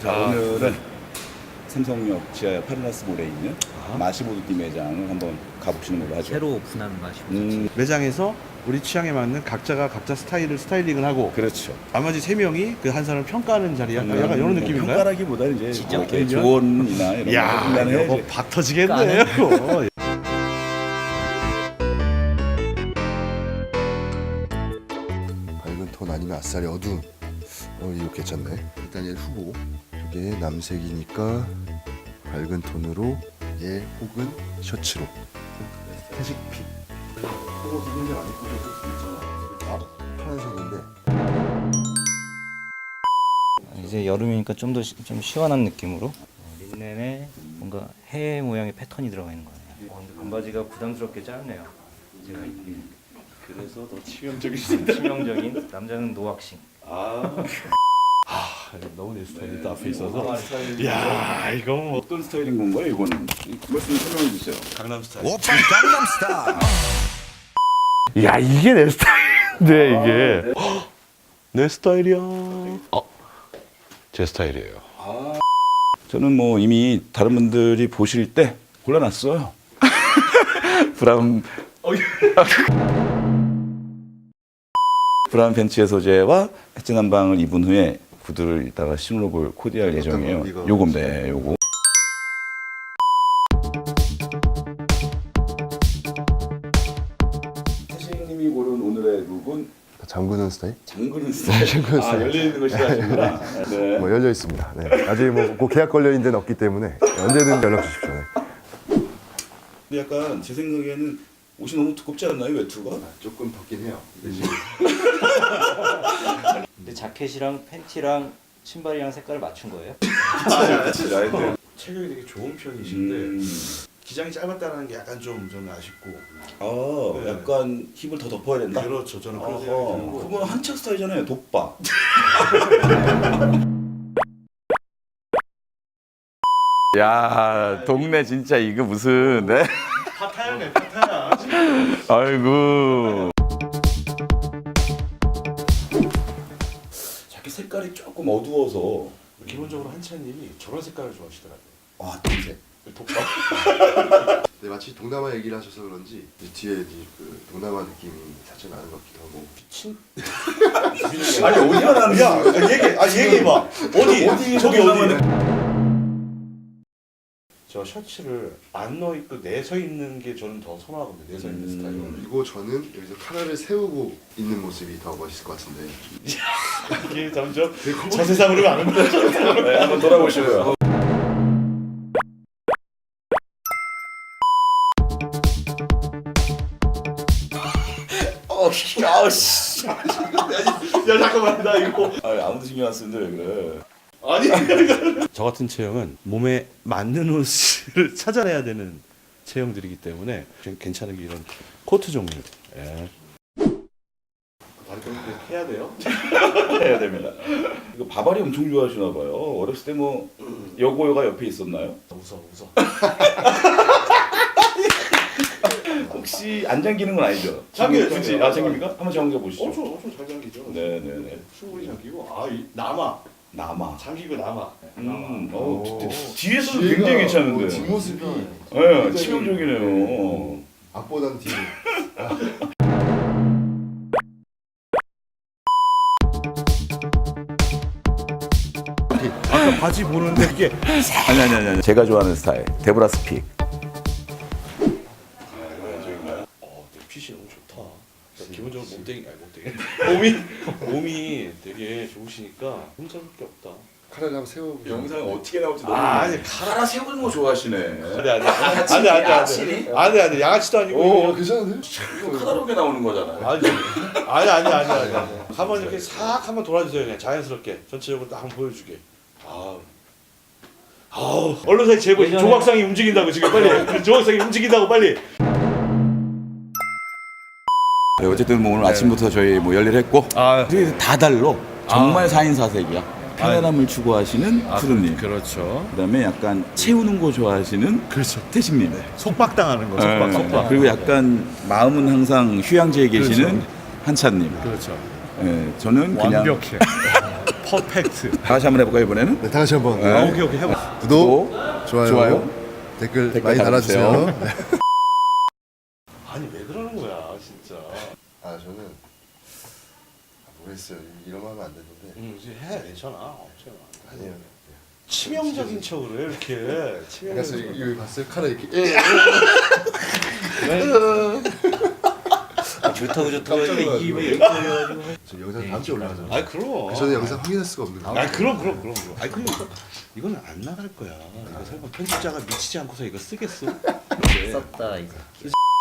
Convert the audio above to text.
자, 오늘은 삼성역 지하 파르나스몰에 있는 마시보드띠 매장을 한번 가보시는 걸로 하죠. 새로 오픈한 맛이 매장에서 우리 취향에 맞는 각자가 각자 스타일링을 하고 그렇죠. 나머지 3명이 그 한 사람을 평가하는 자리야. 약간 이런 느낌인가요? 평가라기보다는 이제 진짜 뭐 이렇게 의견? 조언이나 이런 야, 거 해주면 이거 해야지. 박 터지겠네요. 밝은 톤 아니면 아싸리 어두운 이거 괜찮네. 일단 얘 후보 이게 남색이니까 밝은 톤으로 얘 혹은 셔츠로 회색빛 그거 기본색 안 입고 셔츠 있잖아. 파란색인데 이제 여름이니까 좀 더 좀 시원한 느낌으로 린넨에 뭔가 해 모양의 패턴이 들어가 있는 거네요. 근데 반바지가 부담스럽게 짧네요. 제가 입기엔. 그래서 더 치명적이신다. 치명적인 남자는 노왁싱. 너무 내 스타일이 또 앞에 있어서. 스타일. 야, 이거 뭐 어떤 스타일인 건가요, 이거는? 말씀 설명해 주세요. 강남 스타일. 야, 이게 내 스타일인데 이게 내 스타일이야. 제 스타일이에요. 저는 뭐 이미 다른 분들이 보실 때 골라놨어요. 브라운 브라운 벤츠의 소재와 엣지 난방을 입은 후에 구두를 이따가 신어볼 코디할 예정이에요. 거? 이거? 요건데 요거. 태식님이 고른 오늘의 룩은 잠그는 스타일? 잠그는 스타일. 잠그는 스타일. 열려 있는 거 싫어하시구나. 네. 뭐 열려 있습니다. 네. 아직 뭐 계약 걸려 있는 데는 없기 때문에 언제든 연락 주십시오. 네. 근데 약간 제 생각에는 옷이 너무 두껍지 않나요, 외투가? 조금 덥긴 해요. 근데 자켓이랑 팬티랑 신발이랑 색깔을 맞춘 거예요? 라이트. 체격이 되게 좋은 편이신데 기장이 짧았다는 게 약간 좀 저는 아쉽고. 네. 약간 힙을 더 덮어야 된다. 그렇죠. 저는 그런 생각이 들고. 그건 한창 스타일이잖아요, 돋바. 야, 동네 진짜 이거 무슨, 네? 파타야네, 파타야. 아이고. 자켓 색깔이 조금 어두워서. 기본적으로 한찬님이 저런 색깔을 좋아하시더라고요. 와, 동색. 네, 마치 동남아 얘기를 하셔서 그런지 뒤에 그 동남아 느낌이 살짝 나는 것 같기도 하고. 아니, 어디가 나는 거야? 얘기해봐. 어디? 저기 어디? 저 셔츠를 안 넣어 입고 내서 입는 게 저는 더 선호하거든요. 내서 입는 스타일은. 그리고 저는 여기서 카라를 세우고 있는 모습이 더 멋있을 것 같은데. 이게 점점 저 세상으로 가는 거죠. 네, 한번 돌아보시고요. 아우씨. 야 잠깐만 나 이거. 아무도 신경 안 쓰는데 왜 그래? 아니. 저 같은 체형은 몸에 맞는 옷을 찾아내야 되는 체형들이기 때문에 괜찮은 게 이런 코트 종류. 예. 다리 좀 해야 돼요? 해야 됩니다. 이거 바바리 엄청 좋아하시나 봐요. 어렸을 때 뭐 여고여가 옆에 있었나요? 웃어. 혹시 안 잠기는 건 아니죠? 잠겨요, 굳이 잠겨요. 잠깁니까? 한번 잠겨 보시죠. 엄청 잘 잠기죠. 네네네. 충분히 잠기고 남아 잠기고 남아. 뒤에서도 굉장히 괜찮은데. 뒷모습이 네, 치명적이네요. 앞보단 뒤. 아까 바지 보는데 이게 아니. 제가 좋아하는 스타일. 데브라 스픽. 핏이 너무 좋다. 기본적으로 몸이 되게 좋으시니까 혼자밖에 없다. 카라를 한번 세워보세요. 영상에 어떻게 나올지 너무. 아니, 카라 세우는 거 좋아하시네. 안돼 양아치도 아니고 괜찮은데? 이거 카다롭게 나오는 거잖아요. 아니 한번 이렇게 싹 한번 돌아주세요. 그냥 자연스럽게 전체적으로 딱 한번 보여주게. 언론사의 제보 조각상이 움직인다고 지금 빨리 조각상이 움직인다고 빨리. 네, 어쨌든 뭐 오늘 아침부터 저희 뭐 열일을 했고 다 달러. 정말 4인 4색이야. 편안함을 추구하시는 푸르님. 그렇죠. 그다음에 약간 채우는 거 좋아하시는 태식님. 속박당하는 거. 속박. 그리고 약간 마음은 항상 휴양지에 계시는 한찬님. 그렇죠. 네, 저는 그냥 완벽해. 퍼펙트. 다시 한번 해볼까요 이번에는? 네, 다 같이 한번 오케이 오케이 해봐. 구독, 좋아요, 좋아요. 댓글 많이 달아주세요. 네. 아니 왜 그러는 거야 진짜. 아 저는 모르겠어요. 이러면 하면 안 되는데. 이제 해 괜찮아. 없잖아. 아니에요. 치명적인 척을 해 이렇게. 그래서 치명적인. 이거 봤어요? 카라 이렇게. 좋다고 깜짝 놀라가지고. 입에 이렇게 걸려가지고. 저 영상 다음 주에 올라가잖아요. 아이 그럼. 저는 영상 확인할 수가 없는 거예요. 아 그럼. 아니 그럼 이거는 안 나갈 거야. 이거 설마 편집자가 미치지 않고서 이거 쓰겠어? 썼다 이거.